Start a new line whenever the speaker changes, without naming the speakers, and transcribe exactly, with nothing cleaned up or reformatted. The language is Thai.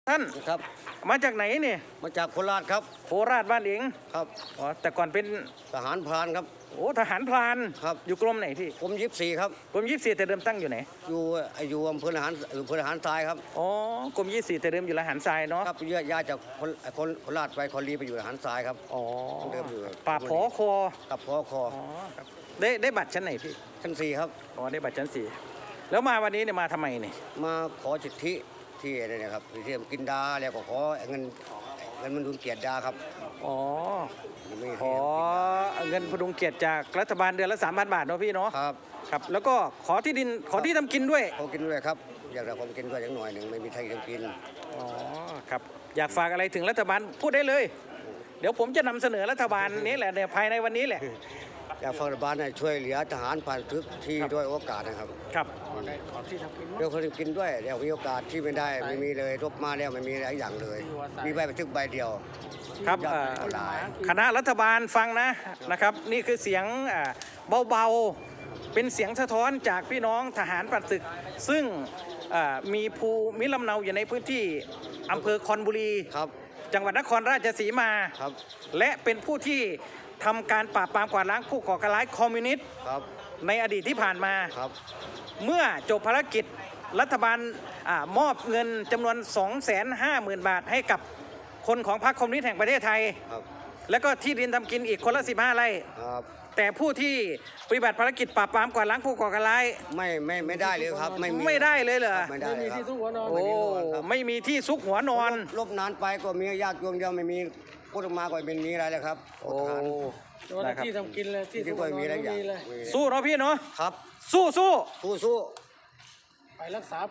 ท่าน
ครับ
มาจากไหนเนี่ย
มาจากโคราชครับ
โคราชบ้านเอง
ครับ
อ๋อแต่ก่อนเป็น
ทหารพรานครับ
โอ้ทหารพราน
ครับ
อยู่กรมไหนพี่
กรมยี่สิบสี่ครับ
กรมยี่สี่แต่เดิมตั้งอยู่ไหน
อยู่อยู่อำเภอทหารอำเภอทหารทรายครับ
อ๋อกรมยี่สี่แต่เดิมอยู่ละหารทรายเนาะ
ครับเยอะย้ายจากคนคนโคราชไปคอลีไปอยู่ทหารทรายครับ
อ๋อ
เดิมอยู่
ป่าพอคอ
กับพอคอ
อ๋อครับได้ได้บัตรชั้นไหนพี่
ชั้นสี่ครับ
อ๋อได้บัตรชั้นสี่แล้วมาวันนี้เนี่ยมาทำไมเนี่ย
มาขอสิทธิที่อะไรนะครับที่กินดาแล้วก็ขอเงินเงินมันดุลเกียรติดาครับ
อ๋อ
ไม่
ขอเงินพดุงเกียรติจากรัฐบาลเดือนละสามพันบาทเนาะพี่เนาะ
ครับ
ครับแล้วก็ขอที่ดินขอที่ทำกินด้วย
ขอกินด้วยครับอยากได้ของกินด้วยอย่างหน่อยหนึ่งไม่มีใครทำกิน
อ๋อครับอยากฝากอะไรถึงรัฐบาลพูดได้เลยเดี๋ยวผมจะนำเสนอรัฐบาลนี้แหละเนี่ยภายในวันนี้แหละ
อยากฝากรัฐบาลให้ช่วยเหลือทหารผ่านทึกที่ด้วยโอกาสนะครับ
ครับ
ขอที่ทำกิน
เดี๋ยวคนกินด้วยเดี๋ยวมีโอกาสที่ไม่ได้ไม่มีเลยรบมาแล้วไม่มีอะไรอย่างเลยมีใบบันทึกใบเดียว
ครับคณะรัฐบาลฟังนะนะครับนี่คือเสียงเบาๆเป็นเสียงสะท้อนจากพี่น้องทหารปราบศึกซึ่งมีภูมิลำเนาอยู่ในพื้นที่อำเภอคอนบุรีจังหวัดนครราชสีมาและเป็นผู้ที่ทำการปราบปรามกวาดล้างผู้ก่อการร้ายคอมมิวนิสต์ในอดีตที่ผ่านมาเมื่อจบภารกิจรัฐบาลอมอบเงินจำนวน สองแสนห้าหมื่น บาทให้กับคนของพรรคคอมมิวนิสต์แห่งประเทศไทยแล้วก็ที่ดินทำกินอีกคนละสิบห้าไร่แต่ผู้ที่ปฏิบัติภารกิจปราบปรามกวาดล้างผู้ก่อการร้าย
ไม่ไม่ไม่ได้เลยครับไม่
ไม่ได้เลยเหรอ
ไม่ได้
มีที่ซุกหัวนอน
โอ้ไม่มีที่ซุกหัวนอน
ลบนานไปก็มีญาติโยมเดียวไม่มีพูดออกมาก็เป็นมีอะไรเลยครับ
โอ้
ที่ทำกินเลยที่ซุกหัวนอนไม่มีเลย
สู้เนาะพี่เนาะ
ครับ
สู้สู้
สู้สู้
ไปรักษา